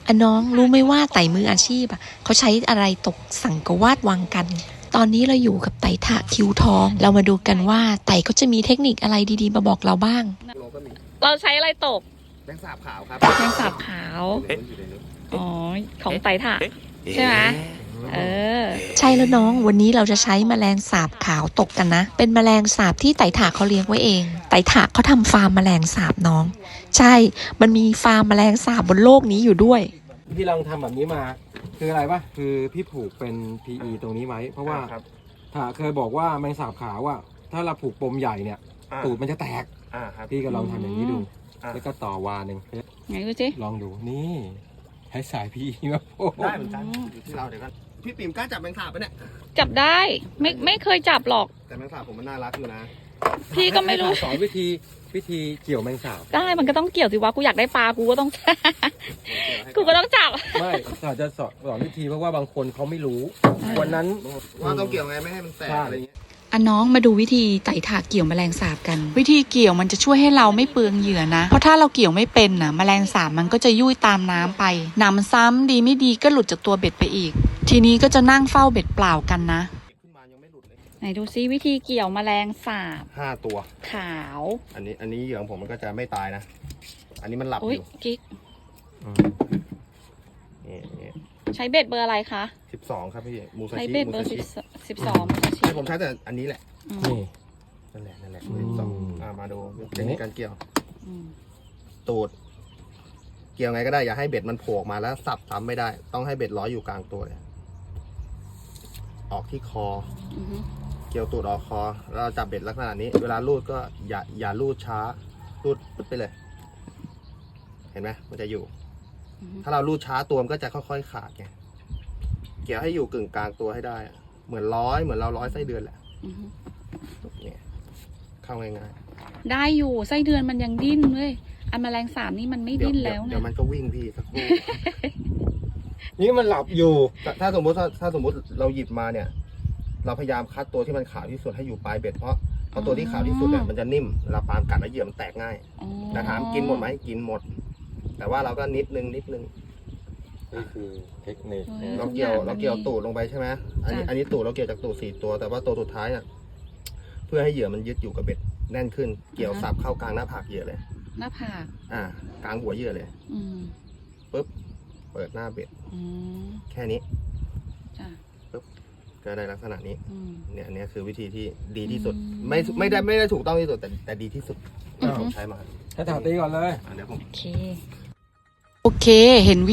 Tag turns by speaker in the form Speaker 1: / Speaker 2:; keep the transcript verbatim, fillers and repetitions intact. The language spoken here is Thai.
Speaker 1: อ่ะน้องรู้ไหมว่าไต่มืออาชีพอ่ะเขาใช้อะไรตกสังกวาดวังกันตอนนี้เราอยู่กับไต่ถะคิวทองเรามาดูกันว่าไต่เขาจะมีเทคนิคอะไรดีๆมาบอกเราบ้าง
Speaker 2: เราใช้อะไรตก
Speaker 3: แมงสาบขาวครับ
Speaker 2: แมงสาบขาวอ๋อของไต่ถะใช่ไหมเออ
Speaker 1: ใช่แล้วน้องวันนี้เราจะใช้แมลงสาบขาวตกกันนะเป็นแมลงสาบที่ไต่ถะเขาเลี้ยงไว้เองไต่ถะเขาทำฟาร์มแมลงสาบน้องใช่มันมีฟาร์มแมลงสาบบนโลกนี้อยู่ด้วย
Speaker 4: พี่ลองทำแบบนี้มาคืออะไรปะคือพี่ผูกเป็น พี อี ตรงนี้ไว้เพราะว่าถ้าเคยบอกว่าแมงสาบขาวว่าถ้าเราผูกปมใหญ่เนี่ยตูดมันจะแตกพี่ก็ลองทำอย่างนี้ดูแล้วก็ต่อวาหนึ่ง
Speaker 2: ไงดูสิ
Speaker 4: ลองดูนี่ใช้สาย พี อี มาโอ้
Speaker 3: ได้เหมือนกันอยู่ที่เราเดี๋ยวกันพี่ปิ่มกล้าจับแมงสาบปะเนี่ย
Speaker 2: จับได้ไม่ไม่เคยจับหรอก
Speaker 3: แต่แมงสาบผมมันน่ารักอยู่นะ
Speaker 2: พี่ก็ไม่รู้
Speaker 4: สอนวิธีวิธีเกี่ยวแมงสาบ
Speaker 2: ได้มันก็ต้องเกี่ยวสิวะกูอยากได้ปลากูก็ต้อง กูก็ต้องจับ
Speaker 4: ไม่อาจจะสอนสอนวิธีเพราะว่าบางคนเขาไม่รู้วันนั้น
Speaker 3: ว่าต้องเกี่ยวไงไม่ให้มันแตกอะไรอย่างเงี้ย
Speaker 1: อ่ะน้องมาดูวิธีไต่ถะเกี่ยวแมลงสาบกันวิธีเกี่ยวมันจะช่วยให้เราไม่เปลืองเหยื่อนะเพราะถ้าเราเกี่ยวไม่เป็นนะแมลงสาบมันก็จะยุ่ยตามน้ำไปหนำซ้ำดีไม่ดีก็หลุดจากตัวเบ็ดไปอีกทีนี้ก็จะนั่งเฝ้าเบ็ดเปล่ากันนะ
Speaker 2: ไหนดูซิวิธีเกี่ยวแมลงสาบ
Speaker 3: ห้าตัว
Speaker 2: ขาว
Speaker 3: อันนี้อันนี้เหยื่อของผมมันก็จะไม่ตายนะอันนี้มันหลับอยู่
Speaker 2: กิ๊ก
Speaker 3: นี่
Speaker 2: ใช้เบ็ดเบอร์อะไรคะ
Speaker 3: สิบสองครับพี่มูซาชิ
Speaker 2: ใช้เบ็ดเบอร์สิบสิบสองมูซาชิ
Speaker 3: ผมใช้แต่อันนี้แหละ
Speaker 4: นี่
Speaker 3: นั่นแหละนั่นแหละสองมาดูเทคนิคการเกี่ยวตูดเกี่ยวไงก็ได้อย่าให้เบ็ดมันโผล่มาแล้วสับซ้ำไม่ได้ต้องให้เบ็ดร้อยอยู่กลางตัวเลยออกที่คอเกี่ยวตูดออกคอแล้วเราจับเบ็ดลักษณะนี้เวลาลูดก็อย่าอย่าลูดช้าลูดปึ๊บไปเลยเห็นไหมมันจะอยู่ถ้าเราลูดช้าตัวมันก็จะค่อยๆขาดไงเกี่ยวให้อยู่กึ่งกลางตัวให้ได้เหมือนร้อยเหมือนเราร้อยไส้เดือนแหละเนี่ยเข้าง่าย
Speaker 2: ๆได้อยู่ไส้เดือนมันยังดิ้นเลยอันแมลงสาบนี่มันไม่ดิ้นแล้วไง
Speaker 3: เดี๋ยวมันก็วิ่งพี่สักครู่
Speaker 4: นี่มันหลับอยู่
Speaker 3: ถ้าสมมติถ้าสมมติเราหยิบมาเนี่ยเราพยายามคัดตัวที่มันขาวที่สุดให้อยู่ปลายเบ็ดเพราะเพราะตัวที่ขาวที่สุดเนี่ยมันจะนิ่มเวลาปลากัดแล้วเหยื่อมันแตกง่ายแต่ถามกินหมดไหมกินหมดแต่ว่าเราก็นิดนึงนิดนึง
Speaker 4: นี่คือเทคนิค
Speaker 3: เราเกี่ยวเราเกี่ยวตูดลงไปใช่ไหมอันนี้อันนี้ตูดเราเกี่ยวจากตูดสี่ตัวแต่ว่าตัวสุดท้ายอ่ะเพื่อให้เหยื่อมันยึดอยู่กับเบ็ดแน่นขึ้นเกี่ยวสับเข้ากลางหน้าผากเหยื่อเลย
Speaker 2: หน้าผาก
Speaker 3: อ่ากลางหัวเหยื่อเลยปุ๊บเปิดหน้าเบ็ดแค่นี้ปุ๊บก็ได้ลักษณะนี้เนี่ยอันนี้คือวิธีที่ดีที่สุดไม่ไม่ได้ไม่ได้ถูกต้องที่สุดแต่แต่ดีที่สุดที่ผมใช้มา
Speaker 4: ถ้าถามตีก่อนเลย
Speaker 3: เดี๋ยวผม
Speaker 1: โอเคโอเคเห็น